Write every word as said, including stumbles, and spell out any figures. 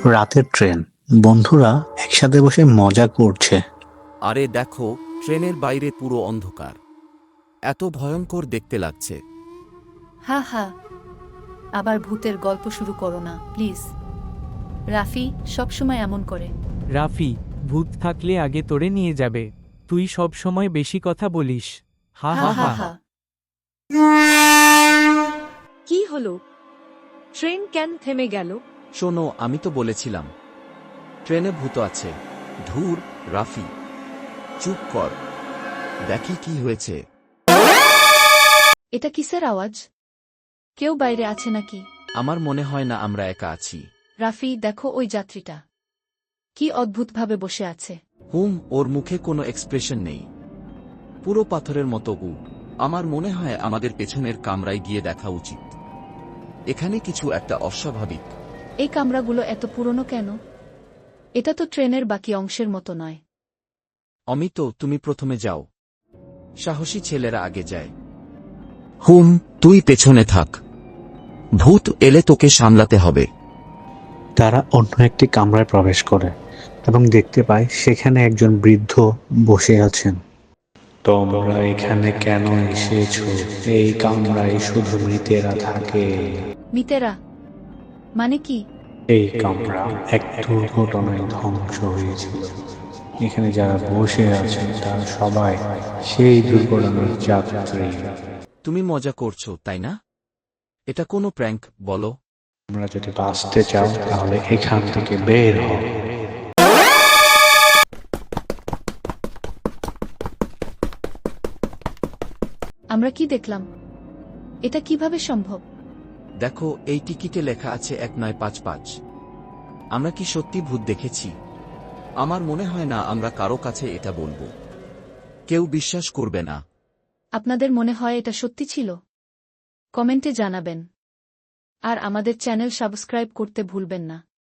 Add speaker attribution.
Speaker 1: রাতের ট্রেন, বন্ধুরা একসাথে বসে মজা করছে।
Speaker 2: আরে দেখো, ট্রেনের বাইরে পুরো অন্ধকার। এত ভয়ঙ্কর দেখতে লাগছে।
Speaker 3: হা হা, আবার ভূতের গল্প শুরু করো না প্লিজ। রাফি সবসময় এমন করে।
Speaker 4: রাফি, ভূত থাকলে আগে তোরে নিয়ে যাবে। তুই সব সময় বেশি কথা বলিস। হা
Speaker 3: হা
Speaker 4: হা
Speaker 3: হা
Speaker 4: হা।
Speaker 3: হা।
Speaker 5: কি হলো? ট্রেন কেন থেমে গেল?
Speaker 2: শোনো, আমি তো বলেছিলাম ট্রেনে ভূত আছে। ধুর, রাফি চুপ কর, দেখি কি হয়েছে।
Speaker 3: এটা কিসের আওয়াজ? কেউ বাইরে আছে নাকি?
Speaker 2: আমার মনে হয় না আমরা একা আছি।
Speaker 3: রাফি দেখো ওই যাত্রীটা কি অদ্ভুতভাবে বসে আছে।
Speaker 2: হুম, ওর মুখে কোনো এক্সপ্রেশন নেই, পুরো পাথরের মতো উ। আমার মনে হয় আমাদের পেছনের কামরায় গিয়ে দেখা উচিত। এখানে কিছু একটা অস্বাভাবিক।
Speaker 3: এই কামরাগুলো এত পুরনো কেন? এটা তো ট্রেনের বাকি অংশের মতো নয়।
Speaker 2: অমিত, তুমি প্রথমে যাও, সাহসী ছেলেরা আগে যায়। হুম, তুই পেছনে থাক, ভূত এলে তোকে সামলাতে হবে।
Speaker 1: তারা অন্য একটি কামরায় প্রবেশ করে এবং দেখতে পায় সেখানে একজন বৃদ্ধ বসে আছেন। তোমরা এখানে কেন এসেছো? এই কামরায় শুধু মৃতেরা থাকে।
Speaker 3: মিতেরা মানে কি?
Speaker 1: এই কামরা এক দুর্ঘটনায় ধ্বংস হয়েছিল। এখানে যারা বসে আছেন তারা সবাই সেই দুর্ঘটনার যাত্রী।
Speaker 2: তুমি মজা করছো, তাই না? এটা কোনো প্র্যাঙ্ক বলো।
Speaker 1: তোমরা যদি বাঁচতে চাও তাহলে এখান থেকে বের হও।
Speaker 3: আমরা কি দেখলাম? এটা কিভাবে সম্ভব?
Speaker 2: দেখো, এই টিকিটে লেখা আছে এক নয় পাঁচ পাঁচ। আমরা কি সত্যি ভূত দেখেছি? আমার মনে হয় না আমরা কারো কাছে এটা বলবো, কেউ বিশ্বাস করবে না।
Speaker 3: আপনাদের মনে হয় এটা সত্যি ছিল? কমেন্টে জানাবেন। আর আমাদের চ্যানেল সাবস্ক্রাইব করতে ভুলবেন না।